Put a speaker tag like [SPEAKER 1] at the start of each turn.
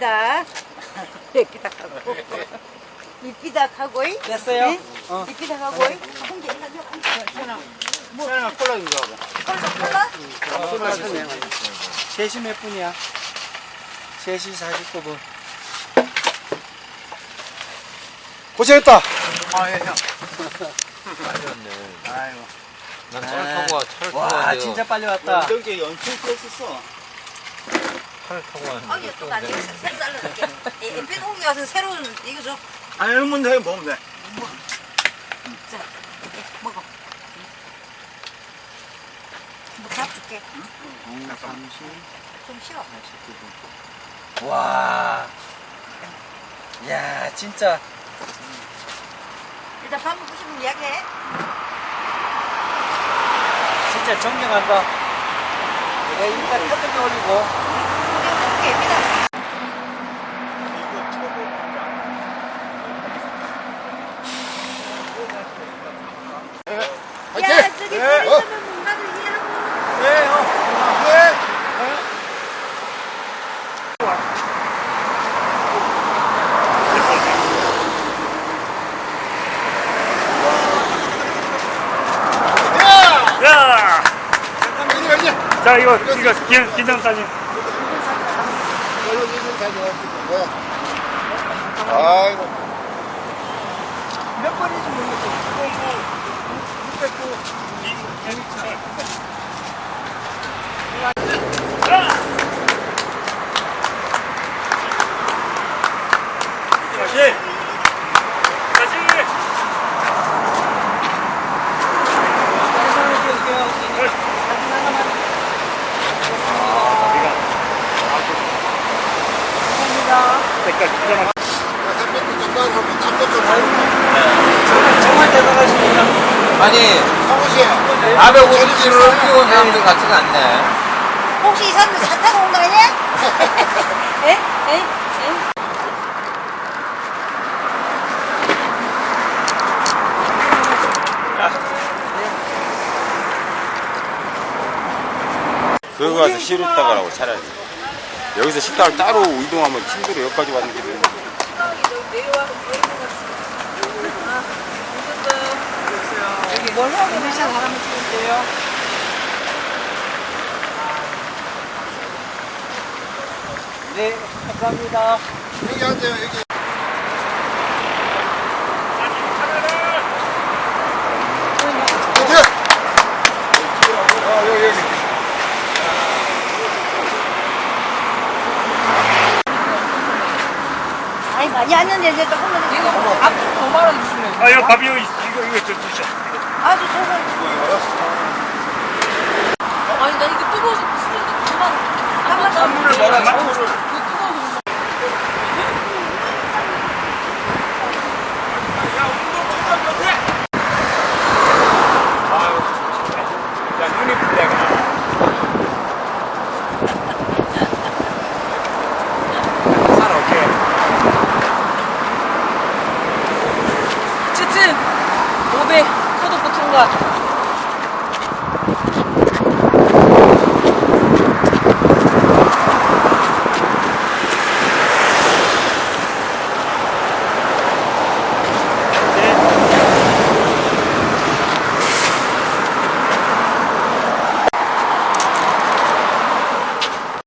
[SPEAKER 1] 이삐다. 이삐다 하고. 이삐다 하고.
[SPEAKER 2] 됐어요?
[SPEAKER 1] 네? 이삐다 하고. 홍게 해가지고.
[SPEAKER 3] 뭐 콜라 좀 줘봐.
[SPEAKER 1] 콜라?
[SPEAKER 2] 셋이 몇 분이야? 셋이 49분.
[SPEAKER 3] 고생했다.
[SPEAKER 4] 아, 예, 형.
[SPEAKER 5] 빨리 왔네.
[SPEAKER 4] 아이고.
[SPEAKER 5] 난 차를 타고 와, 차를 타고
[SPEAKER 2] 와,
[SPEAKER 5] 왔는데요.
[SPEAKER 2] 진짜 빨리 왔다.
[SPEAKER 3] 연정제 연출 했었어.
[SPEAKER 5] 차를 타고
[SPEAKER 1] 아,
[SPEAKER 5] 왔는데.
[SPEAKER 1] 이거 또 나중에 새로 잘라줄게. 이삐 홍게 가서 새로운 이거 줘.
[SPEAKER 4] 아니, 이런 해 먹으면 돼.
[SPEAKER 1] 자, 먹어. 뭐밥 줄게. 좀 싫어.
[SPEAKER 2] 와. 야, 진짜.
[SPEAKER 1] 일단 밥 먹고 싶으면 예약해.
[SPEAKER 2] 진짜 존경한다. 내가 일단 터득에 올리고.
[SPEAKER 1] 홍게 예삐다. 야, 저기 물 있으면 뭔가를 이해하고.
[SPEAKER 2] 네, 형.
[SPEAKER 6] 야! 자, 이거 기념사진.
[SPEAKER 3] 아이고.
[SPEAKER 2] 몇 번인지 모르겠어.
[SPEAKER 6] 다시! 다시! 색깔 기가 막
[SPEAKER 2] 정말 대단하십니다.
[SPEAKER 5] 아니,
[SPEAKER 3] 사무실.
[SPEAKER 5] 450km를 뛰어온 사람들 같지가 않네.
[SPEAKER 1] 혹시 이 사람들 차 타고 온 거 아니야? 에? 에? 에?
[SPEAKER 7] 거기 가서 쉬었다가 라고 차라리. 여기서 식당을 따로 이동하면 힘들어. 여기까지 왔는 게.
[SPEAKER 2] 여기 뭘 하고 계신 사람을 찍을게요. 네, 감사합니다.
[SPEAKER 3] 여기 앉아요, 여기. 여기.
[SPEAKER 1] 아니, 많이 왔는데 이제 조금만 더. 이거
[SPEAKER 2] 앞으로 더 말아주시면.
[SPEAKER 6] 아, 이거 밥 이거 좀 드셔.
[SPEAKER 1] 아주 소금.
[SPEAKER 2] 아니, 나 이게 뜨거워서 부스러운데 그만.
[SPEAKER 1] 한번 더.
[SPEAKER 6] 물을 뭐라, 물을.